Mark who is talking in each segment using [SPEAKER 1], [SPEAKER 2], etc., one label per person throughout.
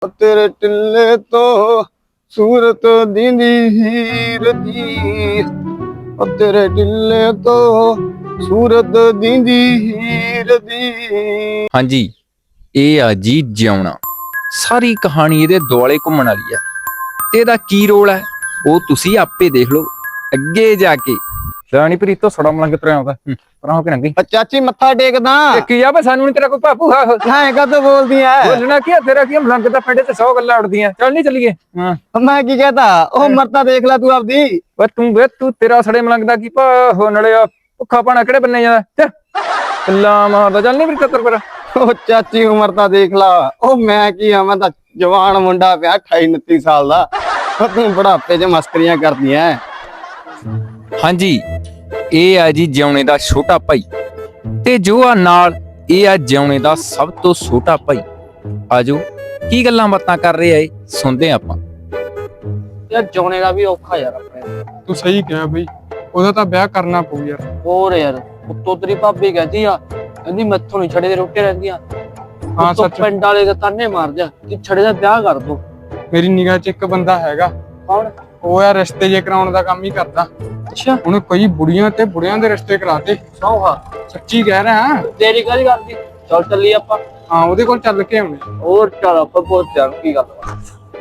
[SPEAKER 1] तेरे टिल्ले तो सूरत दींदी हीर दी और तेरे टिल्ले तो सूरत दींदी हीर दी।
[SPEAKER 2] ਹਾਂਜੀ ਇਹ ਆ ਜੀ ਜਿਉਣਾ। ਸਾਰੀ ਕਹਾਣੀ ਇਹਦੇ ਦੁਆਲੇ ਘੁੰਮਣ ਵਾਲੀ ਆ ਤੇ ਇਹਦਾ ਕੀ ਰੋਲ ਹੈ ਉਹ ਤੁਸੀਂ ਆਪੇ ਦੇਖ ਲਓ ਅੱਗੇ ਜਾ ਕੇ। ਰਾਣੀ ਪ੍ਰੀਤੋ ਸੜਾ ਮਲੰਗ ਤਰਿਆ ਆਉਂਦਾ ਪਰਾਂ ਹੋ ਕੇ ਨੰਗੀ
[SPEAKER 1] चाची मत्था टेकदा
[SPEAKER 2] ਕੀ ਆ ਬਈ ਸਾਨੂੰ ਨਹੀਂ ਤੇਰਾ ਕੋਈ ਭਾਪੂ
[SPEAKER 1] है कद बोलदी है
[SPEAKER 2] ਬੋਲਣਾ ਕੀ ਆ ਤੇਰਾ ਕੀ ਮਲੰਗ ਦਾ ਪਿੰਡ ਤੇ 100 ਗੱਲਾਂ ਉੜਦੀਆਂ ਚੱਲ ਨਹੀਂ ਚੱਲੀਏ ਹਾਂ
[SPEAKER 1] मैं की कहता ओ मरता देख ला तू आपदी
[SPEAKER 2] ਵੇ ਤੂੰ ਤੇਰਾ ਸੜੇ ਮਲੰਗ ਦਾ ਕੀ ਭਾ ਹੋ ਨਲੇ ਆ ਭੁੱਖਾ ਪਾਣਾ ਕਿਹੜੇ ਬੰਨੇ ਜਾਂਦਾ ਚੱਲ ਕੱਲਾ ਮਾਰਦਾ ਚੱਲ ਨਹੀਂ ਪ੍ਰੀਤੋ ਤਰ ਪਰ
[SPEAKER 1] ओ चाची उमर ता देख ला ओ मैं की मैं ता जवान मुंडा पिया 28 29 साल दा तू बुढ़ापे च मस्करियां करदी है।
[SPEAKER 2] ਹਾਂਜੀ ਇਹ ਆ ਜੀ ਜਿਉਣੇ ਦਾ ਛੋਟਾ ਭਾਈ ਤੇ ਜੋ ਆ ਨਾਲ ਇਹ ਆ ਜਿਉਣੇ ਦਾ ਸਭ ਤੋਂ ਛੋਟਾ ਭਾਈ। ਆਜੋ ਕੀ ਗੱਲਾਂ ਬਾਤਾਂ ਕਰ ਰਹੇ ਆ ਇਹ ਸੁਣਦੇ ਆਪਾਂ।
[SPEAKER 3] ਯਾਰ ਜੋਨੇ ਦਾ ਵੀ ਔਖਾ ਯਾਰ ਆਪਣੇ।
[SPEAKER 4] ਤੂੰ ਸਹੀ ਕਿਹਾ ਬਈ, ਉਹਦਾ ਤਾਂ ਵਿਆਹ ਕਰਨਾ ਪਊ ਯਾਰ।
[SPEAKER 3] ਹੋਰ ਯਾਰ ਉੱਤੋਂ ਤੇਰੀ ਭਾਬੀ ਕਹਿੰਦੀ ਆ ਕਹਿੰਦੀ ਮੈਥੋਂ ਨਹੀਂ ਛੜੇ ਦੇ ਰੋਟੇ ਰਹਿੰਦੀਆਂ।
[SPEAKER 4] ਹਾਂ
[SPEAKER 3] ਉੱਤੋਂ
[SPEAKER 4] ਸੱਚ,
[SPEAKER 3] ਪਿੰਡ ਵਾਲੇ ਦਾ ਤਾਨੇ ਮਾਰਦੇ ਆ ਕਿ ਛੜੇ ਦਾ ਵਿਆਹ ਕਰ ਦੋ।
[SPEAKER 4] ਮੇਰੀ ਨਿਗਾਹ 'ਚ ਇੱਕ ਬੰਦਾ ਹੈਗਾ,
[SPEAKER 3] ਕੌਣ?
[SPEAKER 4] ਉਹ ਯਾਰ ਰਿਸ਼ਤੇ ਜੇ ਕਰਾਉਣ ਦਾ ਕੰਮ ਹੀ ਕਰਦਾ।
[SPEAKER 3] ਅੱਛਾ
[SPEAKER 4] ਉਹਨੇ ਕਈ ਬੁੜੀਆਂ ਤੇ ਬੁੜਿਆਂ ਦੇ ਰਿਸ਼ਤੇ ਕਰਾਤੇ।
[SPEAKER 3] ਸੌਹਾ
[SPEAKER 4] ਸੱਚੀ ਕਹਿ ਰਿਹਾ।
[SPEAKER 3] ਤੇਰੀ ਕਾਹਦੀ ਕਰਦੀ। ਚੱਲ ਚੱਲੀ ਆਪਾਂ।
[SPEAKER 4] ਹਾਂ ਉਹਦੇ ਕੋਲ ਚੱਲ ਕੇ ਆਉਣੇ।
[SPEAKER 3] ਹੋਰ ਚੱਲ ਆਪਾਂ ਬਹੁਤ ਜਾਣ ਕੀ ਗੱਲ ਵਾ।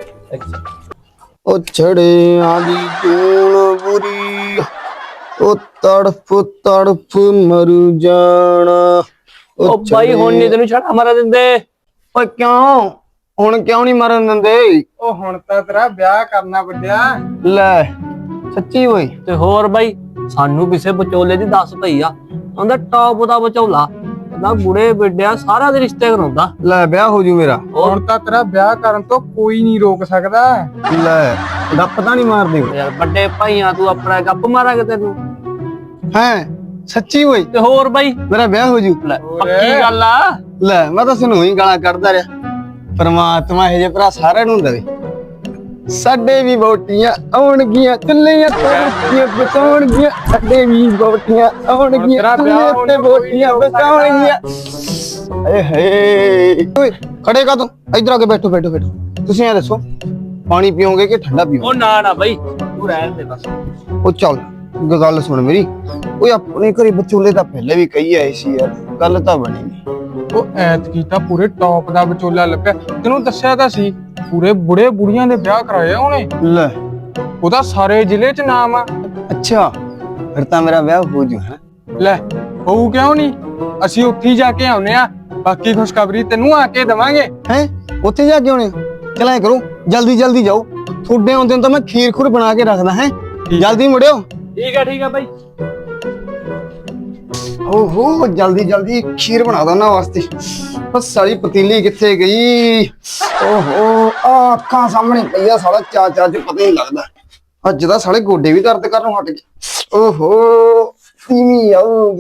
[SPEAKER 1] ओ छड़ियां दी जून बुरी ओ तड़फ तड़फ मर जाना।
[SPEAKER 3] ਉਹ ਬਾਈ ਹੁਣ ਨਹੀਂ ਤੈਨੂੰ ਛੜਾ ਮਾਰਾ ਦਿੰਦੇ।
[SPEAKER 1] ਓਏ ਕਿਉਂ ਹੁਣ ਕਿਉਂ ਨਹੀਂ ਮਰਨ ਦਿੰਦੇ?
[SPEAKER 4] ਉਹ ਹੁਣ ਤਾਂ ਤੇਰਾ ਵਿਆਹ ਕਰਨਾ ਵੱਡਿਆ।
[SPEAKER 1] ਲੈ ਸੱਚੀ ਓਏ
[SPEAKER 3] ਤੇ ਹੋਰ ਬਾਈ ਸਾਨੂੰ ਕਿਸੇ ਵਿਚੋਲੇ ਦੀ ਦੱਸ ਪਈ ਆ ਉਹਦਾ ਟੌਪ ਦਾ ਵਿਚੋਲਾ ਕਹਿੰਦਾ ਬੁੜੇ ਬਿੱਡਿਆ ਸਾਰਾ ਦੇ ਰਿਸ਼ਤੇ ਕਰਾਉਂਦਾ।
[SPEAKER 1] ਲੈ ਵਿਆਹ ਹੋ ਜੂ ਮੇਰਾ।
[SPEAKER 4] ਹੁਣ ਤਾਂ ਤੇਰਾ ਵਿਆਹ ਕਰਨ ਤੋਂ ਕੋਈ ਨਹੀਂ ਰੋਕ ਸਕਦਾ।
[SPEAKER 1] ਲੈ ਗੱਪ ਤਾਂ ਨਹੀਂ ਮਾਰਦੇ
[SPEAKER 3] ਯਾਰ ਵੱਡੇ ਭਾਈਆਂ ਤੂੰ ਆਪਣਾ ਗੱਪ ਮਾਰਾਂਗੇ ਤੈਨੂੰ।
[SPEAKER 1] ਹੈ ਸੱਚੀ ਓਏ
[SPEAKER 3] ਤੇ ਹੋਰ ਬਾਈ
[SPEAKER 1] ਮੇਰਾ ਵਿਆਹ ਹੋ ਜੂ।
[SPEAKER 3] ਲੈ ਪੱਕੀ ਗੱਲ ਆ।
[SPEAKER 1] ਲੈ ਮੈਂ ਤਾਂ ਸੁਣੂ ਹੀ ਗਾਲਾਂ ਕੱਢਦਾ ਰਿਹਾ। ਪਰਮਾਤਮਾ ਇਹ ਜੇ ਭਰਾ ਸਾਰਿਆਂ ਨੂੰ ਦੇਵੇ। ਸਾਡੇ ਵੀ ਵੋਟੀਆਂ ਆਉਣਗੀਆਂ ਚੁੱਲ੍ਹੀਆਂ ਤੇ ਬਚਾਉਣਗੀਆਂ। ਸਾਡੇ ਵੀ ਵੋਟੀਆਂ ਆਉਣਗੀਆਂ ਚੁੱਲ੍ਹੇ ਤੇ ਵੋਟੀਆਂ ਬਚਾਉਣਗੀਆਂ। ਏ ਹੇ ਓਏ ਖੜੇ ਕਾ ਤੂੰ ਇੱਧਰ ਆ ਕੇ ਬੈਠੋ ਬੈਠੋ ਬੈਠੋ। ਤੁਸੀਂ ਇਹ ਦੱਸੋ ਪਾਣੀ ਪੀਓਗੇ ਕਿ ਠੰਡਾ ਪੀਓਗੇ?
[SPEAKER 3] ਉਹ ਨਾ ਨਾ ਬਾਈ ਤੂੰ ਰਹਿਣ ਦੇ ਬਸ।
[SPEAKER 1] ਉਹ ਚੱਲ ਗੱਲ ਸੁਣ ਮੇਰੀ। ਓਏ ਆਪਣੇ ਘਰੇ ਵਿਚੋਲੇ ਤਾਂ ਪਹਿਲੇ ਵੀ ਕਹੀ ਆਏ ਸੀ ਯਾਰ, ਗੱਲ ਤਾਂ ਬਣੀ ਨਹੀਂ।
[SPEAKER 4] ਉਹ ਐਤਕੀ ਤਾਂ ਪੂਰੇ ਟੌਪ ਦਾ ਵਿਚੋਲਾ ਲੱਭਿਆ। ਤੈਨੂੰ ਦੱਸਿਆ ਤਾਂ ਸੀ ਪੂਰੇ ਬੁੜੇ ਬੁੜੀਆਂ ਦੇ ਵਿਆਹ ਕਰਾਏ ਆ ਉਹਨੇ।
[SPEAKER 1] ਲੈ
[SPEAKER 4] ਉਹਦਾ ਸਾਰੇ ਜ਼ਿਲ੍ਹੇ 'ਚ ਨਾਮ ਆ।
[SPEAKER 1] ਅੱਛਾ ਫਿਰ ਤਾਂ ਮੇਰਾ ਵਿਆਹ ਹੋ ਜੂ ਹੈ।
[SPEAKER 4] ਲੈ ਹੋਊ ਕਿਉਂ ਨਹੀਂ, ਅਸੀਂ ਉੱਥੇ ਹੀ ਜਾ ਕੇ ਆਉਨੇ ਆ। ਬਾਕੀ ਖੁਸ਼ਖਬਰੀ ਤੈਨੂੰ ਆ ਕੇ ਦਵਾਂਗੇ।
[SPEAKER 1] ਹੈ ਉੱਥੇ ਜਾ ਕੇ ਆਉਣੇ? ਚਲ ਐ ਕਰੋ ਜਲਦੀ ਜਲਦੀ ਜਾਓ। ਤੁਹਾਡੇ ਆਉਂਦੇ ਨੂੰ ਤਾਂ ਮੈਂ ਖੀਰ ਖੁਰ ਬਣਾ ਕੇ ਰੱਖਦਾ ਹੈ। ਜਲਦੀ ਮੁੜਿਓ।
[SPEAKER 3] ਠੀਕ ਆ ਬਾਈ।
[SPEAKER 1] ਓਹੋ ਜਲਦੀ ਜਲਦੀ ਖੀਰ ਬਣਾ ਦੋ ਨਾ ਵਾਸਤੇ। ਬਸ ਸਾਲੀ ਪਤੀਲੀ ਕਿੱਥੇ ਗਈ? ਓਹੋ ਆ ਅੱਖਾਂ ਸਾਹਮਣੇ ਪਈ ਆ ਸਾਲਾ ਚਾ ਚ ਪਤਾ ਨਹੀਂ ਲੱਗਦਾ। ਅੱਜ ਦਾ ਸਾਲੇ ਗੋਡੇ ਵੀ ਦਰਦ ਕਰਨ ਹਟ ਗਏ। ਓਹੋ ਤੀਵੀਂ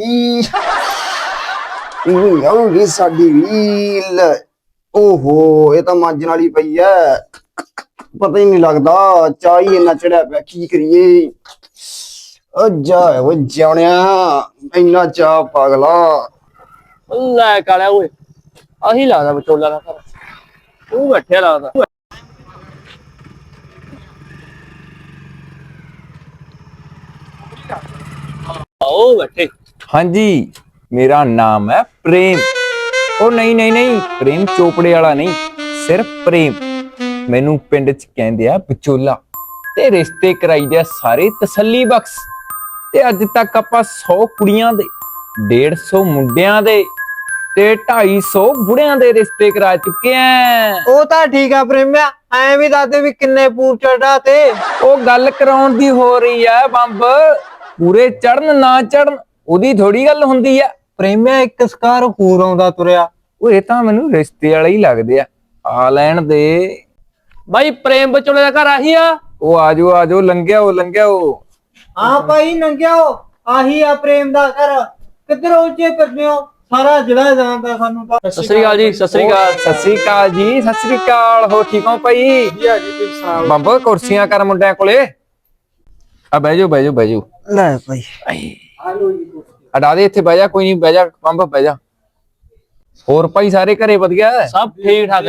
[SPEAKER 1] ਆਊਗੀ ਸਾਡੀ ਵੀਲ। ਓਹੋ ਇਹ ਤਾਂ ਮਾਂਜਣ ਵਾਲੀ ਪਈ ਐ। ਪਤਾ ਹੀ ਨਹੀਂ ਲੱਗਦਾ ਚਾਹ ਹੀ ਇੰਨਾ ਚੜਿਆ ਪਿਆ। ਕੀ ਕਰੀਏ? ਓ ਜਾ ਓ ਜਾਣਿਆ ਇੰਨਾ ਚਾਹ ਪਾਗਲਾ।
[SPEAKER 3] ਲੈ ਕਾਲਿਆ ਓਏ ਆਹੀ ਲੱਗਦਾ ਵਿਚੋਲਾ ਦਾ ਘਰ। ਤੂੰ ਬੈਠਿਆ ਲੱਗਦਾ। ਆਓ ਬੈਠੇ।
[SPEAKER 2] ਹਾਂਜੀ ਮੇਰਾ ਨਾਮ ਹੈ ਪ੍ਰੇਮ। ਉਹ ਨਹੀਂ ਪ੍ਰੇਮ ਚੋਪੜੇ ਵਾਲਾ ਨਹੀਂ, ਸਿਰਫ ਪ੍ਰੇਮ। ਮੈਨੂੰ ਪਿੰਡ 'ਚ ਕਹਿੰਦੇ ਆ ਵਿਚੋਲਾ ਤੇ ਰਿਸ਼ਤੇ ਕਰਾਈਦੇ ਆ ਸਾਰੇ ਤਸੱਲੀ ਬਖਸ਼। ਤੇ ਅੱਜ ਤੱਕ ਆਪਾਂ 100 ਕੁੜੀਆਂ ਦੇ 150 ਮੁੰਡਿਆਂ ਦੇ ਤੇ 250 ਬੁੜਿਆਂ ਦੇ ਰਿਸ਼ਤੇ ਕਰਾ ਚੁੱਕੇ ਆ।
[SPEAKER 1] ਉਹ ਤਾਂ ਠੀਕ ਆ ਪ੍ਰੇਮਿਆ, ਐ ਵੀ ਦੱਸਦੇ ਵੀ ਕਿੰਨੇ ਪੂਰ ਚੜਾ ਤੇ।
[SPEAKER 2] ਉਹ ਗੱਲ ਕਰਾਉਣ ਦੀ ਹੋ ਰਹੀ ਆ ਬੰਬ। ਪੂਰੇ ਚੜਨ ਨਾ ਚੜਨ ਉਹਦੀ ਥੋੜੀ ਗੱਲ ਹੁੰਦੀ ਆ।
[SPEAKER 1] ਪ੍ਰੇਮਿਆ ਇੱਕ ਸਕਾਰ ਹੋਰ ਆਉਂਦਾ ਤੁਰਿਆ।
[SPEAKER 2] ਉਹ ਇਹ ਤਾਂ ਮੈਨੂੰ ਰਿਸ਼ਤੇ ਵਾਲੇ ਹੀ ਲੱਗਦੇ ਆ ਲੈਣ ਦੇ।
[SPEAKER 3] ਬਾਈ ਪ੍ਰੇਮ ਵਿਚੋਲੇ ਦਾ ਘਰ ਆਹੀ ਆ।
[SPEAKER 2] ਉਹ ਆਜੋ ਲੰਘਿਆ ਉਹ।
[SPEAKER 5] ਹਾਂ ਭਾਈ ਨੰਗਿਓ ਆਹੀ ਆ ਪ੍ਰੇਮ ਦਾ ਘਰ। ਕਿੱਧਰ ਉੱਚੇ ਫਿਰਦੇ ਹੋ? ਸਾਰਾ ਜ਼ਿਲ੍ਹਾ ਜਾਣਦਾ ਸਾਨੂੰ ਤਾਂ।
[SPEAKER 3] ਸਤਿ ਸ੍ਰੀ ਅਕਾਲ ਜੀ। ਸਤਿ ਸ੍ਰੀ ਅਕਾਲ।
[SPEAKER 2] ਸਤਿ ਸ੍ਰੀ ਅਕਾਲ ਜੀ। ਸਤਿ ਸ੍ਰੀ ਅਕਾਲ। ਹੋ ਠੀਕ ਹੋ ਭਾਈ?
[SPEAKER 4] ਵਧੀਆ ਜੀ ਤੁਸੀਂ ਸੁਣਾਓ।
[SPEAKER 2] ਬੰਬ ਕੁਰਸੀਆਂ ਕਰ ਮੁੰਡਿਆਂ ਕੋਲੇ। ਆ ਬਹਿ ਜਾਓ।
[SPEAKER 1] ਲੈ ਭਾਈ
[SPEAKER 2] ਹਟਾ ਦੇ ਇੱਥੇ ਬਹਿ ਜਾ। ਕੋਈ ਨਹੀਂ ਬਹਿ ਜਾ ਬੰਬ ਬਹਿ ਜਾ। ਹੋਰ ਭਾਈ ਸਾਰੇ ਘਰੇ ਵਧੀਆ?
[SPEAKER 3] ਸਭ ਠੀਕ ਠਾਕ ਹੈ ਜੀ।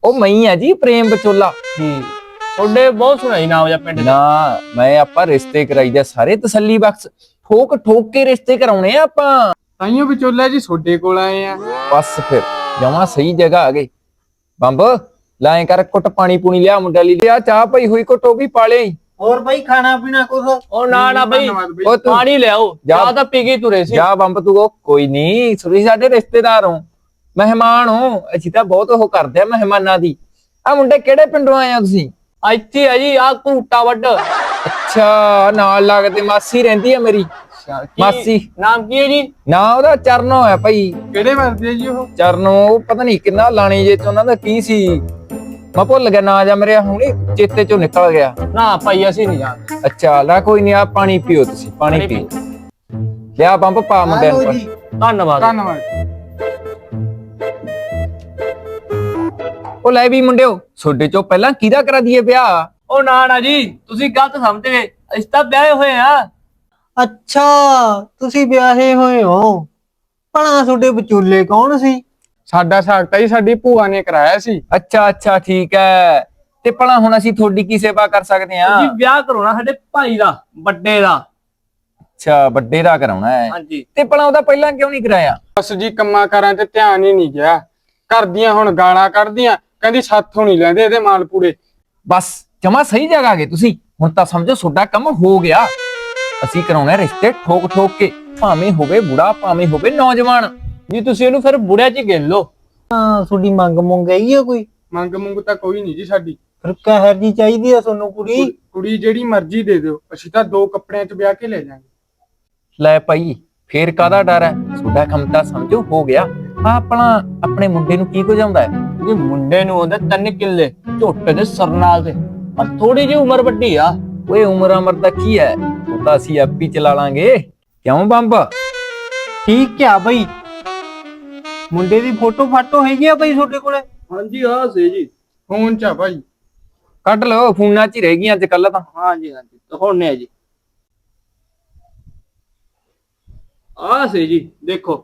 [SPEAKER 2] ਉਹ ਮਈ ਆ ਜੀ ਪ੍ਰੇਮ ਵਿਚੋਲਾ।
[SPEAKER 3] ਤੁਹਾਡੇ ਬਹੁਤ ਸੁਣਾਈ ਨਾਮ ਜਾਂ ਪਿੰਡ
[SPEAKER 2] ਨਾ ਮੈਂ ਆਪਾਂ ਰਿਸ਼ਤੇ ਕਰਾਈਦੇ ਸਾਰੇ ਤਸੱਲੀ ਬਖਸ਼, ਠੋਕ ਠੋਕ ਕੇ ਰਿਸ਼ਤੇ ਕਰਾਉਣੇ ਆ ਆਪਾਂ।
[SPEAKER 4] ਤਾਈਓ ਵਿਚੋਲਾ ਜੀ ਤੁਹਾਡੇ ਕੋਲ ਆਏ ਆ।
[SPEAKER 2] ਬਸ ਫਿਰ ਜਮਾਂ ਸਹੀ ਜਗ੍ਹਾ ਆ ਗਏ। ਬੰਬ ਲਾਏ ਕਰ ਕੁੱਟ ਪਾਣੀ ਪੂਣੀ ਲਿਆ ਮੁੰਡਾ ਲਈ ਲਿਆ, ਚਾਹ ਪਈ ਹੋਈ ਕੁੱਟ ਉਹ ਵੀ ਪਾ ਲਈ।
[SPEAKER 5] ਹੋਰ ਬਾਈ ਖਾਣਾ ਪੀਣਾ ਕੁਛ?
[SPEAKER 3] ਉਹ ਨਾ ਬਈ,
[SPEAKER 4] ਧੰਨਵਾਦ ਬਈ।
[SPEAKER 2] ਉਹ ਤੂੰ
[SPEAKER 3] ਪਾਣੀ ਲਿਆਓ,
[SPEAKER 2] ਜਾ।
[SPEAKER 3] ਚਾਹ ਤਾਂ ਪੀ ਕੇ ਤੁਰੇ ਸੀ।
[SPEAKER 2] ਜਾ ਬੰਬ ਤੂੰ ਕੋਈ ਨਹੀਂ, ਤੁਸੀਂ ਸਾਡੇ ਰਿਸ਼ਤੇਦਾਰ ਹੋ, ਮਹਿਮਾਨ ਹੋ, ਅਸੀਂ ਤਾਂ ਬਹੁਤ ਉਹ ਕਰਦੇ ਆ ਮਹਿਮਾਨਾਂ ਦੀ। ਆ ਮੁੰਡੇ ਕਿਹੜੇ ਪਿੰਡੋਂ ਆਏ ਆ ਤੁਸੀਂ?
[SPEAKER 3] ਇੱਥੇ ਆ ਜੀ ਆ ਘੂਟਾ ਵੱਡ।
[SPEAKER 2] ਅੱਛਾ ਨਾਲ ਲੱਗਦੇ ਮਾਸੀ ਰਹਿੰਦੀ ਆ ਮੇਰੀ ਮਾਸੀ।
[SPEAKER 3] ਨਾਮ ਕੀ ਹੈ ਜੀ?
[SPEAKER 2] ਨਾ ਉਹਦਾ ਚਰਨੋ ਹੈ ਭਾਈ।
[SPEAKER 4] ਕਿਹੜੇ ਵਰਦੇ ਆ ਜੀ ਉਹ?
[SPEAKER 2] ਚਰਨੋ ਉਹ ਪਤਾ ਨਹੀਂ ਕਿੰਨਾ ਲਾਣੀ ਜੇ ਚ ਉਹਨਾਂ ਦਾ ਕੀ ਸੀ, ਮੈਂ ਭੁੱਲ ਗਿਆ ਨਾ, ਜਾਂ ਮੇਰੇ ਹੁਣੇ ਚੇਤੇ ਚੋਂ ਨਿਕਲ ਗਿਆ।
[SPEAKER 3] ਨਾ ਭਾਈ ਅਸੀਂ ਨਹੀਂ ਜਾਣਦੇ।
[SPEAKER 2] ਅੱਛਾ ਲੈ ਕੋਈ ਨਹੀਂ, ਆ ਪਾਣੀ ਪੀਓ ਤੁਸੀਂ, ਪਾਣੀ ਪੀਓ। ਲਿਆ ਬੰਬ ਪਾ ਮੁੰਡਿਆਂ
[SPEAKER 5] ਆਲੋ
[SPEAKER 2] ਨੂੰ।
[SPEAKER 5] ਜੀ।
[SPEAKER 3] ਧੰਨਵਾਦ।
[SPEAKER 4] ਧੰਨਵਾਦ।
[SPEAKER 2] ਉਹ ਲੈ ਵੀ ਮੁੰਡਿਓ, ਤੁਹਾਡੇ ਚੋਂ ਪਹਿਲਾਂ ਕਿਹਦਾ ਕਰਾ ਦਈਏ ਵਿਆਹ?
[SPEAKER 3] ਉਹ ਨਾ ਜੀ, ਤੁਸੀਂ ਗਲਤ ਸਮਝ ਗਏ, ਅਸੀਂ ਤਾਂ ਵਿਆਹੇ ਹੋਏ ਆ।
[SPEAKER 5] ਅੱਛਾ ਤੁਸੀਂ ਵਿਆਹੇ ਹੋਏ ਹੋ। ਭਲਾ ਤੁਹਾਡੇ ਵਿਚੋਲੇ ਕੌਣ ਸੀ?
[SPEAKER 4] ਸਾਡਾ ਸਾਗਤਾ ਜੀ ਸਾਡੀ ਭੂਆ ਨੇ ਕਰਾਇਆ ਸੀ।
[SPEAKER 2] ਅੱਛਾ ਅੱਛਾ ਠੀਕ ਹੈ, ਤੇ ਭਲਾ ਹੁਣ ਅਸੀਂ ਤੁਹਾਡੀ ਕੀ ਸੇਵਾ ਕਰ ਸਕਦੇ
[SPEAKER 3] ਜੀ
[SPEAKER 2] ਹਾਂ?
[SPEAKER 3] ਵਿਆਹ ਕਰਾਉਣਾ ਸਾਡੇ ਭਾਈ ਦਾ, ਵੱਡੇ ਦਾ।
[SPEAKER 2] ਅੱਛਾ ਵੱਡੇ ਦਾ ਕਰਾਉਣਾ ਹੈ,
[SPEAKER 3] ਹਾਂਜੀ।
[SPEAKER 2] ਤੇ ਭਲਾ ਉਹਦਾ ਪਹਿਲਾਂ ਕਿਉਂ ਨਹੀਂ ਕਰਾਇਆ?
[SPEAKER 4] ਬਸ ਜੀ ਕੰਮਾਂ ਕਾਰਾਂ ਤੇ ਧਿਆਨ ਹੀ ਨਹੀਂ ਗਿਆ। ਕਰਦੀਆਂ ਹੁਣ ਗਾਲਾਂ ਕੱਢਦੀਆਂ, ਕਹਿੰਦੀ ਸਾਥੋਂ ਨਹੀਂ ਲੈਂਦੇ ਇਹਦੇ ਮਾਲ ਪੂੜੇ।
[SPEAKER 2] ਬਸ ਜਮਾ ਸਹੀ ਜਗ੍ਹਾ ਆ ਗਏ ਤੁਸੀਂ। ਹੁਣ ਤਾਂ ਸਮਝੋ ਤੁਹਾਡਾ ਕੰਮ ਹੋ ਗਿਆ। ਅਸੀਂ ਕਰਾਉਣੇ ਰਿਸ਼ਤੇ ਠੋਕ ਠੋਕ ਕੇ, ਭਾਵੇਂ ਹੋਵੇ ਬੁੜਾ ਭਾਵੇਂ ਹੋਵੇ ਨੌਜਵਾਨ।
[SPEAKER 3] ਜੀ ਤੁਸੀਂ ਇਹਨੂੰ ਫਿਰ ਬੁੜਿਆਂ 'ਚ ਗਿਣ ਲਓ।
[SPEAKER 5] ਹਾਂ ਤੁਹਾਡੀ ਮੰਗ ਮੁੰਗ ਆਈ ਆ ਕੋਈ?
[SPEAKER 4] ਮੰਗ ਮੁੰਗ ਤਾਂ ਕੋਈ ਨਹੀਂ ਜੀ ਸਾਡੀ।
[SPEAKER 5] ਫਿਰ ਕਹਿਰ ਜੀ ਚਾਹੀਦੀ ਆ ਤੁਹਾਨੂੰ ਕੁੜੀ?
[SPEAKER 4] ਕੁੜੀ ਜਿਹੜੀ ਮਰਜ਼ੀ ਦੇ ਦਿਓ, ਅਸੀਂ ਤਾਂ 2 ਕੱਪੜਿਆਂ 'ਚ ਵਿਆਹ ਕੇ ਲੈ ਜਾਾਂਗੇ।
[SPEAKER 2] ਲੈ ਭਾਈ ਫੇਰ ਕਾਹਦਾ ਡਰ ਹੈ? ਤੁਹਾਡਾ ਕੰਮ ਤਾਂ ਸਮਝੋ ਹੋ ਗਿਆ। ਆ ਆਪਣਾ ਆਪਣੇ ਮੁੰਡੇ ਨੂੰ ਕੀ ਕੁਝ ਆਉਂਦਾ ਹੈ?
[SPEAKER 3] ਜੀ ਮੁੰਡੇ ਨੂੰ ਉਹਦੇ 3 ਕਿੱਲੇ ਝੋਟੇ ਦੇ ਸਰਨਾਲ ਦੇ, ਪਰ ਥੋੜੀ ਜਿਹੀ ਉਮਰ ਵੱਡੀ ਆ।
[SPEAKER 2] ਓਏ ਉਮਰ ਦਾ ਕੀ ਹੈ, ਉਹ ਤਾਂ ਅਸੀਂ ਆਪੀ ਚਲਾ ਲਾਂਗੇ। ਕਿਉਂ ਬੰਬ?
[SPEAKER 5] ਠੀਕ ਆ ਬਈ। ਮੁੰਡੇ ਦੀ ਫੋਟੋ ਫਾਟੋ ਹੈਗੀ ਆ ਬਈ ਤੁਹਾਡੇ ਕੋਲੇ?
[SPEAKER 3] ਹਾਂਜੀ ਹਾਂ ਸੇ ਜੀ।
[SPEAKER 4] ਫੋਨ 'ਚ ਆ ਭਾਈ।
[SPEAKER 2] ਕੱਢ ਲਓ, ਫੋਨਾਂ 'ਚ ਹੀ ਰਹਿ ਗਈਆਂ ਅੱਜ ਕੱਲ ਤਾਂ।
[SPEAKER 3] ਹਾਂਜੀ ਹੁਣ ਨੇ ਜੀ ਆ ਸੇ ਜੀ ਦੇਖੋ।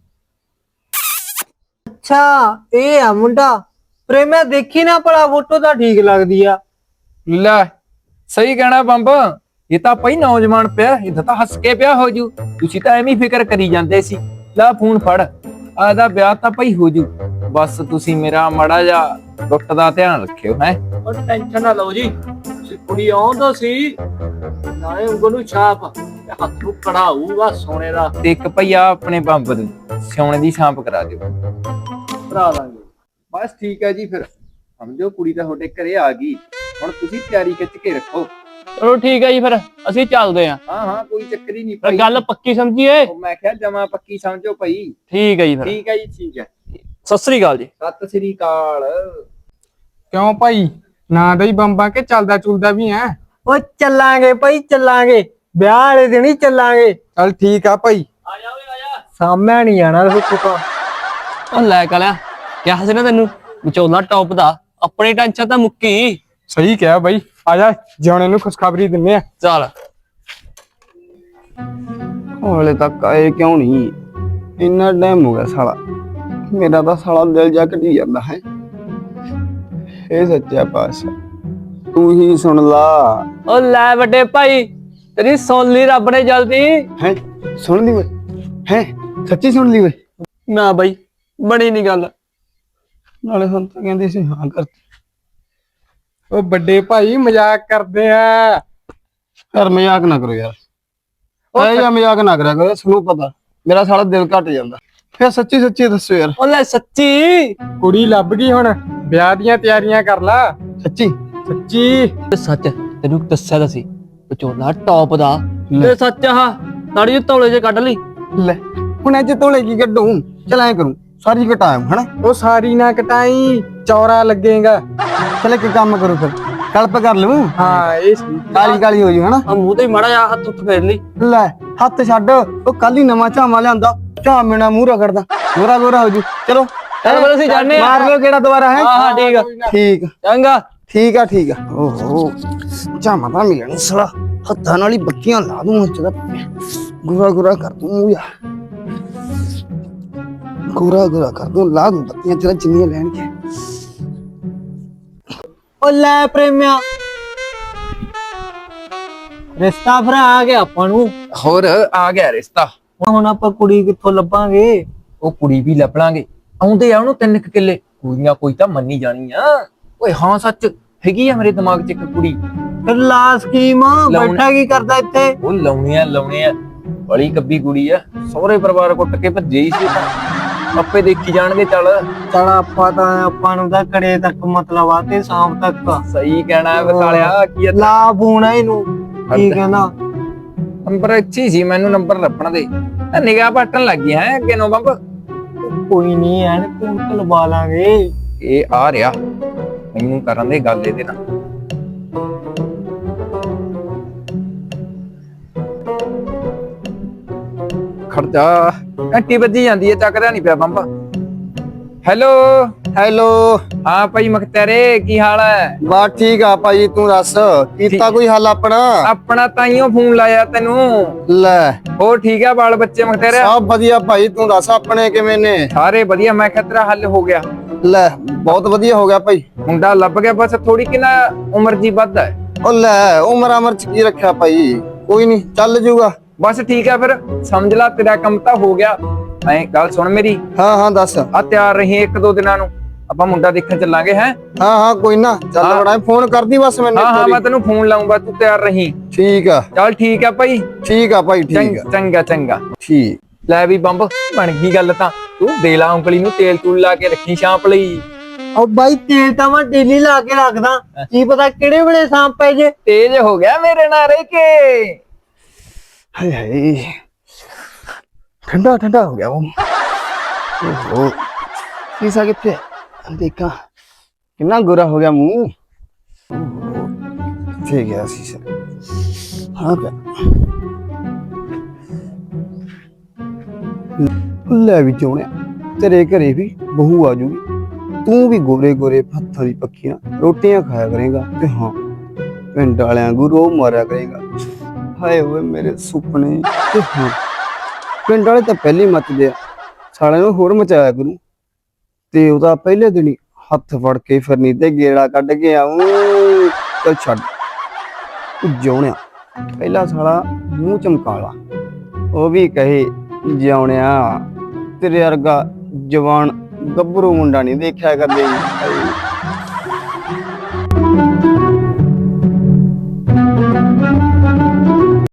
[SPEAKER 5] ਅੱਛਾ ਇਹ ਆ ਮੁੰਡਾ। ਪ੍ਰੇਮਿਆ ਦੇਖੀ ਨਾ ਭਲਾ, ਫੋਟੋ ਤਾਂ ਠੀਕ ਲੱਗਦੀ ਆ।
[SPEAKER 2] ਲੈ ਸਹੀ ਕਹਿਣਾ ਬੰਬ, ਇਹ ਤਾਂ ਭਾਈ ਨੌਜਵਾਨ ਪਿਆ, ਇਹਦਾ ਤਾਂ ਹੱਸ ਕੇ ਪਿਆ ਹੋ ਜੂ। ਤੁਸੀਂ ਤਾਂ ਐਵੇਂ ਫਿਕਰ ਕਰੀ ਜਾਂਦੇ ਸੀ। ਲੈ ਫੋਨ ਫੜ, ਆਦਾ ਵਿਆਹ ਤਾਂ ਭਾਈ ਹੋ ਜੂ। ਬਸ ਤੁਸੀਂ ਮੇਰਾ ਮਾੜਾ ਜਿਹਾ ਗੁੱਟ ਦਾ ਧਿਆਨ ਰੱਖਿਓ ਹੈ।
[SPEAKER 3] ਉਹ ਟੈਨਸ਼ਨ ਨਾ ਲਓ ਜੀ, ਤੁਸੀਂ ਕੁੜੀ ਆਉਂਦਾ ਸੀ ਨਾਲੇ ਉਂਗਲ ਨੂੰ ਛਾਪ ਤੇ ਹੱਥ ਨੂੰ ਕੜਾਊਗਾ ਸੋਨੇ ਦਾ।
[SPEAKER 2] ਤੇ ਇੱਕ ਭਈਆ ਆਪਣੇ ਬੰਬ ਨੂੰ ਸੋਨੇ ਦੀ ਛਾਂਪ ਕਰਾ ਦਿਓ।
[SPEAKER 3] ਭਰਾ ਦਾਂਗੇ।
[SPEAKER 2] ਬਸ ਠੀਕ ਹੈ ਜੀ, ਫਿਰ ਸਮਝੋ ਕੁੜੀ ਤਾਂ ਤੁਹਾਡੇ ਘਰੇ ਆ ਗਈ। ਹੁਣ ਤੁਸੀਂ ਤਿਆਰੀ ਖਿੱਚ ਕੇ ਰੱਖੋ।
[SPEAKER 3] ਚਲੋ ਠੀਕ ਹੈ ਜੀ, ਫਿਰ ਅਸੀਂ ਚੱਲਦੇ ਆਂ।
[SPEAKER 2] ਹਾਂ ਹਾਂ ਕੋਈ ਚੱਕਰ ਹੀ ਨਹੀਂ
[SPEAKER 3] ਪਰ
[SPEAKER 2] ਭਾਈ।
[SPEAKER 3] ਗੱਲ ਪੱਕੀ ਸਮਝੀਏ।
[SPEAKER 2] ਉਹ ਮੈਂ ਕਿਹਾ ਜਮਾ ਪੱਕੀ ਸਮਝੋ ਭਾਈ।
[SPEAKER 3] ਠੀਕ ਹੈ ਜੀ, ਫਿਰ
[SPEAKER 2] ਠੀਕ ਹੈ ਜੀ ਠੀਕ ਹੈ।
[SPEAKER 3] ਸਤਿ ਸ੍ਰੀ ਅਕਾਲ ਜੀ।
[SPEAKER 2] ਸਤਿ ਸ੍ਰੀ ਅਕਾਲ।
[SPEAKER 4] ਕਿਉਂ ਭਾਈ, ਨਾ ਦਾ ਹੀ ਬੰਬਾਂ ਕੇ ਚੱਲਦਾ ਚੁਲਦਾ ਵੀ ਹੈ।
[SPEAKER 5] ਓ ਚੱਲਾਂਗੇ ਭਾਈ ਚੱਲਾਂਗੇ, ਵਿਆਹ ਵਾਲੇ ਦਿਨ ਹੀ ਚੱਲਾਂਗੇ।
[SPEAKER 4] ਚੱਲ ਠੀਕ ਆ ਭਾਈ।
[SPEAKER 3] ਆ ਜਾ ਓਏ ਆ ਜਾ।
[SPEAKER 5] ਸਾਹਮਣੇ ਨਹੀਂ ਜਾਣਾ ਤੁਸੀਂ ਤਾਂ।
[SPEAKER 3] ਉਹ ਲੈ ਕਲਿਆ ਕਿਹਾ ਸੀ ਨਾ ਤੈਨੂੰ, ਵਿਚੋਲਾ ਟੌਪ ਦਾ, ਆਪਣੀ ਟੈਨਸ਼ਨ ਤਾਂ ਮੁੱਕੀ।
[SPEAKER 4] ਸਹੀ ਕਿਹਾ ਬਾਈ, ਆ ਜਾ ਜਿਉਣੇ ਨੂੰ ਖੁਸ਼ਖਬਰੀ ਦਿੰਨੇ ਆ।
[SPEAKER 3] ਚੱਲ
[SPEAKER 1] ਹਾਲੇ ਤੱਕ ਆਏ ਕਿਉਂ ਨਹੀਂ? ਇੰਨਾ ਟਾਈਮ ਹੋ ਗਿਆ ਸਾਲਾ, ਮੇਰਾ ਤਾਂ ਸਾਲਾ ਦਿਲ ਜਾ ਘਟੀ ਜਾਂਦਾ ਹੈ। ਇਹ ਸੱਚਾ ਪਾਤਸ਼ਾਹ ਤੂੰ ਹੀ ਸੁਣ ਲਾ।
[SPEAKER 3] ਉਹ ਲੈ ਵੱਡੇ ਭਾਈ, ਤੇਰੀ ਸੁਣ ਲਈ ਰੱਬ ਨੇ ਜਲਦੀ।
[SPEAKER 1] ਹੈ ਸੁਣ ਲਈ ਵੇ? ਹੈ ਸੱਚੀ ਸੁਣ ਲਈ ਵੇ?
[SPEAKER 3] ਨਾ ਬਾਈ ਬਣੀ ਨਹੀਂ ਗੱਲ।
[SPEAKER 1] ਨਾਲੇ ਹੁਣ ਤਾਂ ਕਹਿੰਦੇ ਸੀ ਹਾਂ ਕਰ।
[SPEAKER 4] ਉਹ ਵੱਡੇ ਭਾਈ ਮਜ਼ਾਕ ਕਰਦੇ ਆ।
[SPEAKER 1] ਯਾਰ ਮਜ਼ਾਕ ਨਾ ਕਰੋ ਯਾਰ, ਇਹ ਜਾਂ ਮਜ਼ਾਕ ਨਾ ਕਰਿਆ ਕਰੋ। ਸਾਨੂੰ ਪਤਾ ਮੇਰਾ ਸਾਲਾ ਦਿਲ ਘਟ ਜਾਂਦਾ। ਫਿਰ ਸੱਚੀ ਸੱਚੀ ਦੱਸੋ ਯਾਰ।
[SPEAKER 3] ਉਹ ਲੈ ਸੱਚੀ।
[SPEAKER 4] ਕੁੜੀ ਲੱਭ ਗਈ, ਹੁਣ ਵਿਆਹ ਦੀਆਂ ਤਿਆਰੀਆਂ ਕਰ ਲਾ।
[SPEAKER 1] ਸੱਚੀ
[SPEAKER 4] ਸੱਚੀ
[SPEAKER 3] ਸੱਚ ਤੈਨੂੰ ਦੱਸਿਆ ਤਾਂ ਸੀ, ਵਿਚੋਲਾ ਟੌਪ ਦਾ। ਤੇ ਸੱਚ ਆ ਸਾੜੀ ਜਿਹੀ ਧੌਲੇ ਜੇ ਕੱਢ ਲਈ।
[SPEAKER 1] ਲੈ ਹੁਣ ਅੱਜ ਤੋਲੇ ਕੀ ਕੱਢੂ? ਚਲ ਐ ਕਰੂੰ ਸਾਰੀ ਘਟਾਇਆ ਹਨਾ।
[SPEAKER 4] ਉਹ ਸਾਰੀ ਨਾ ਕਟਾਈ, ਚੌਰਾ ਲੱਗੇਗਾ।
[SPEAKER 1] ਚਲ ਇੱਕ ਕੰਮ ਕਰੋ ਫਿਰ, ਕਲਪ ਕਰ ਲਵਾਂ।
[SPEAKER 4] ਹਾਂ ਇਹ ਸਹੀ।
[SPEAKER 1] ਕਾਲੀ ਕਾਲੀ ਹੋ ਜੂ ਹਨਾ।
[SPEAKER 3] ਆ ਮੂੰਹ ਤੇ ਮੜਾ ਜਾ ਹੱਥ ਉੱਠ ਫੇਰ ਲਈ।
[SPEAKER 1] ਲੈ ਹੱਥ ਛੱਡ, ਉਹ ਕੱਲ ਹੀ ਨਵਾਂ ਝਾਮਾ ਲਿਆਂਦਾ, ਝਾਮੇ ਨਾਲ ਮੂਹਰਾ ਕਰਦਾ, ਗੋਰਾ ਗੋਰਾ ਹੋ ਜੂ। ਚਲੋ
[SPEAKER 3] ਚੱਲ ਫਿਰ ਅਸੀਂ ਜਾਂਦੇ ਆ।
[SPEAKER 1] ਮਾਰ ਲਿਓ ਕਿਹੜਾ ਦੁਬਾਰਾ ਹੈ।
[SPEAKER 3] ਹਾਂ ਹਾਂ ਠੀਕ ਆ
[SPEAKER 1] ਠੀਕ
[SPEAKER 3] ਚੰਗਾ।
[SPEAKER 1] ਠੀਕ ਆ ਠੀਕ ਆ। ਓਹੋ ਝਾਮਾ ਤਾਂ ਮਿਲਣਾ ਸਾਲਾ, ਹੱਥਾਂ ਨਾਲ ਹੀ ਬੱਕੀਆਂ ਲਾ ਦੂੰ। ਅੱਜ ਗੋਰਾ ਗੋਰਾ ਕਰ ਦੂੰ ਮੂੰਹ ਯਾਰ, ਗੋਰਾ ਗੋਰਾ ਕਰ ਦੂੰ, ਲਾ ਦੂੰ ਬੱਕੀਆਂ ਤੇਰਾ ਜਿੰਨੀਆਂ ਲੈਣਗੇ।
[SPEAKER 5] ਉਹ ਲੈ ਪ੍ਰੇਮਿਆ, ਰਿਸ਼ਤਾ ਫਿਰ ਆ ਗਿਆ ਆਪਾਂ ਨੂੰ।
[SPEAKER 2] ਹੋਰ ਆ ਗਿਆ ਰਿਸ਼ਤਾ।
[SPEAKER 5] ਹੁਣ ਆਪਾਂ ਕੁੜੀ ਕਿੱਥੋਂ ਲੱਭਾਂਗੇ?
[SPEAKER 2] ਉਹ ਕੁੜੀ ਵੀ ਲੱਭ ਲਾਂਗੇ, ਆਉਂਦੇ ਆ ਉਹਨੂੰ 3 ਕਿੱਲੇ, ਕੋਈ ਨਾ ਕੋਈ ਤਾਂ ਮੰਨੀ ਜਾਣੀ ਆ। ਓਏ ਹਾਂ ਸੱਚ, ਹੈਗੀ ਆ ਮੇਰੇ ਦਿਮਾਗ 'ਚ ਇੱਕ ਕੁੜੀ।
[SPEAKER 5] ਫਿਰ ਲਾ ਸਕੀਮ, ਬੈਠਾ ਕੀ ਕਰਦਾ ਇੱਥੇ?
[SPEAKER 2] ਉਹ ਲਾਉਣੇ ਆ ਬੜੀ ਕੱਬੀ ਕੁੜੀ ਆ, ਸਹੁਰੇ ਪਰਿਵਾਰ ਕੁੱਟ ਕੇ ਭੱਜੇ ਹੀ ਸੀ ਤਾਂ ਆਪੇ ਦੇਖੀ ਜਾਣਗੇ। ਚੱਲ
[SPEAKER 5] ਆਪਾਂ ਨੂੰ ਤਾਂ ਕੜੇ ਤੱਕ ਮਤਲਬ ਆ ਤੇ ਸ਼ਾਮ ਤੱਕ।
[SPEAKER 2] ਸਹੀ ਕਹਿਣਾ ਬਤਾਲਿਆ ਕੀ ਆ।
[SPEAKER 5] ਲਾ ਫੋਨ ਆ ਇਹਨੂੰ, ਕੀ ਕਹਿੰਦਾ?
[SPEAKER 2] ਨੰਬਰ ਅੱਛੀ ਸੀ, ਮੈਨੂੰ ਨੰਬਰ ਲੱਭਣ ਦੇ। ਨਿਗਾਹ ਪੱਟਣ ਲੱਗ ਗਈ ਹੈ ਅੱਗੇ ਨੂੰ ਬੰਬ।
[SPEAKER 5] ਕੋਈ ਨਹੀਂ ਐਨ ਭੂਤ ਲਵਾ ਲਾਂਗੇ।
[SPEAKER 2] ਇਹ ਆ ਰਿਹਾ, ਮੈਨੂੰ ਕਰਨ ਦੇ ਗੱਲ ਇਹਦੇ ਨਾਲ। ਖੜਦਾ ਘੰਟੀ ਵੱਜੀ ਜਾਂਦੀ ਹੈ, ਚੱਕਦਾ ਨਹੀਂ ਪਿਆ ਬੰਬ। Hello
[SPEAKER 1] hello.
[SPEAKER 2] ਹਾਂ ਭਾਈ ਮਖਤਿਆਰੇ, ਕੀ ਹਾਲ ਹੈ?
[SPEAKER 1] ਬਸ ਠੀਕ ਆ ਭਾਈ, ਤੂੰ ਦੱਸ ਕੀਤਾ ਕੋਈ ਹੱਲ ਆਪਣਾ?
[SPEAKER 2] ਆਪਣਾ ਤਾਈਓ ਫੋਨ ਲਾਇਆ ਤੈਨੂੰ।
[SPEAKER 1] ਲੈ
[SPEAKER 2] ਹੋਰ ਠੀਕ ਆ ਬਾਲ ਬੱਚੇ ਮਖਤਿਆਰੇ?
[SPEAKER 1] ਸਭ ਵਧੀਆ ਭਾਈ, ਤੂੰ ਦੱਸ ਆਪਣੇ ਕਿਵੇਂ ਨੇ?
[SPEAKER 2] ਸਾਰੇ ਵਧੀਆ। ਮੈਂ ਕਿਹਾ ਤੇਰਾ ਹੱਲ ਹੋ ਗਿਆ।
[SPEAKER 1] ਲੈ ਬਹੁਤ ਵਧੀਆ ਹੋ ਗਿਆ ਭਾਈ,
[SPEAKER 2] ਮੁੰਡਾ ਲੱਭ ਗਿਆ, ਬਸ ਥੋੜੀ ਕਿ ਨਾ ਉਮਰ ਜੀ ਵੱਧ ਹੈ।
[SPEAKER 1] ਉਹ ਲੈ ਉਮਰ ਚ ਕੀ ਰੱਖਿਆ ਭਾਈ, ਕੋਈ ਨਹੀਂ ਚੱਲ ਜੂਗਾ।
[SPEAKER 2] ਬਸ ਠੀਕ ਆ ਫਿਰ, ਸਮਝ ਲਾ ਤੇਰਾ ਕੰਮ ਤਾਂ ਹੋ ਗਿਆ। ਐਂ ਗੱਲ ਸੁਣ ਮੇਰੀ,
[SPEAKER 1] ਹਾਂ ਦੱਸ।
[SPEAKER 2] ਆ ਤਿਆਰ ਰਹੀ 1-2 ਦਿਨਾਂ ਨੂੰ, ਆਪਾਂ ਮੁੰਡਾ ਦੇਖਣ ਚੱਲਾਂਗੇ। ਹੈ
[SPEAKER 1] ਹਾਂ ਕੋਈ ਨਾ, ਚੱਲ
[SPEAKER 2] ਹਾਂ।
[SPEAKER 1] ਬੜਾ ਫੋਨ ਕਰਦੀ ਬਸ ਮੈਨੂੰ।
[SPEAKER 2] ਹਾਂ ਮੈਂ ਤੈਨੂੰ ਫੋਨ ਲਾਉਂਗਾ, ਤੂੰ ਤਿਆਰ ਰਹੀ।
[SPEAKER 1] ਠੀਕ ਆ।
[SPEAKER 2] ਚੱਲ ਠੀਕ ਆ ਭਾਈ।
[SPEAKER 1] ਠੀਕ ਆ ਭਾਈ, ਠੀਕ ਆ।
[SPEAKER 2] ਚੰਗਾ।
[SPEAKER 1] ਠੀਕ।
[SPEAKER 2] ਲੈ ਵੀ ਬੰਬ, ਬਣ ਗਈ ਗੱਲ ਤਾਂ। ਤੂੰ ਦੇ ਲਾ ਉਂਗਲੀ ਨੂੰ ਤੇਲ ਤੂਲ ਲਾ ਕੇ ਰੱਖੀ ਛਾਂਪ ਲਈ।
[SPEAKER 5] ਉਹ ਬਾਈ ਤੇਲ ਤਾਂ ਮੈਂ ਡੇਲੀ ਲਾ ਕੇ ਰੱਖਦਾ, ਕੀ ਪਤਾ ਕਿਹੜੇ ਵੇਲੇ ਸਾਂਪ ਪੈ ਜੇ।
[SPEAKER 2] ਤੇਜ ਹੋ ਗਿਆ ਮੇਰੇ ਨਾਲ ਰਹਿ ਕੇ।
[SPEAKER 1] ਹਾਏ ਹਾਏ, ਠੰਡਾ ਹੋ ਗਿਆ ਉਹ। ਓਹੋ, ਸੀਸਾ ਕਿੱਥੇ? ਦੇਖਾਂ ਕਿੰਨਾ ਗੋਰਾ ਹੋ ਗਿਆ ਮੂੰਹ। ਕਿੱਥੇ ਗਿਆ ਸੀਸਾ? ਹਾਂ ਪਿਆ। ਲੈ ਵੀ ਚੋਣਿਆ, ਤੇਰੇ ਘਰੇ ਵੀ ਬਹੂ ਆ ਜੂਗੀ, ਤੂੰ ਵੀ ਗੋਰੇ ਹੱਥਾਂ ਦੀ ਪੱਖੀ ਨਾਲ ਰੋਟੀਆਂ ਖਾਇਆ ਕਰੇਗਾ ਤੇ ਹਾਂ ਪਿੰਡ ਵਾਲਿਆਂ ਵਾਂਗੂ ਰੋਹ ਮਾਰਿਆ ਕਰੇਗਾ। ਹਾਏ ਓਏ ਮੇਰੇ ਸੁਪਨੇ। ਤੇ ਹਾਂ ਪਿੰਡ ਵਾਲੇ ਤਾਂ ਪਹਿਲੇ ਮੱਚਦੇ ਆ, ਸਾਲਿਆਂ ਨੂੰ ਹੋਰ ਮਚਾਇਆ ਕਰੂ। ਤੇ ਉਹਦਾ ਪਹਿਲੇ ਦਿਨ ਹੀ ਹੱਥ ਫੜ ਕੇ ਫਿਰਨੀ ਤੇ ਗੇੜਾ ਕੱਢ ਕੇ ਆਉਂ। ਚੱਲ ਛੱਡ ਜਿਉਣਿਆ, ਪਹਿਲਾ ਸਾਲਾ ਮੂੰਹ ਚਮਕਾਲਾ, ਉਹ ਵੀ ਕਹੇ ਜਿਉਣਿਆ ਤੇਰੇ ਵਰਗਾ ਜਵਾਨ ਗੱਭਰੂ ਮੁੰਡਾ ਨਹੀਂ ਦੇਖਿਆ ਕਰਦੇ।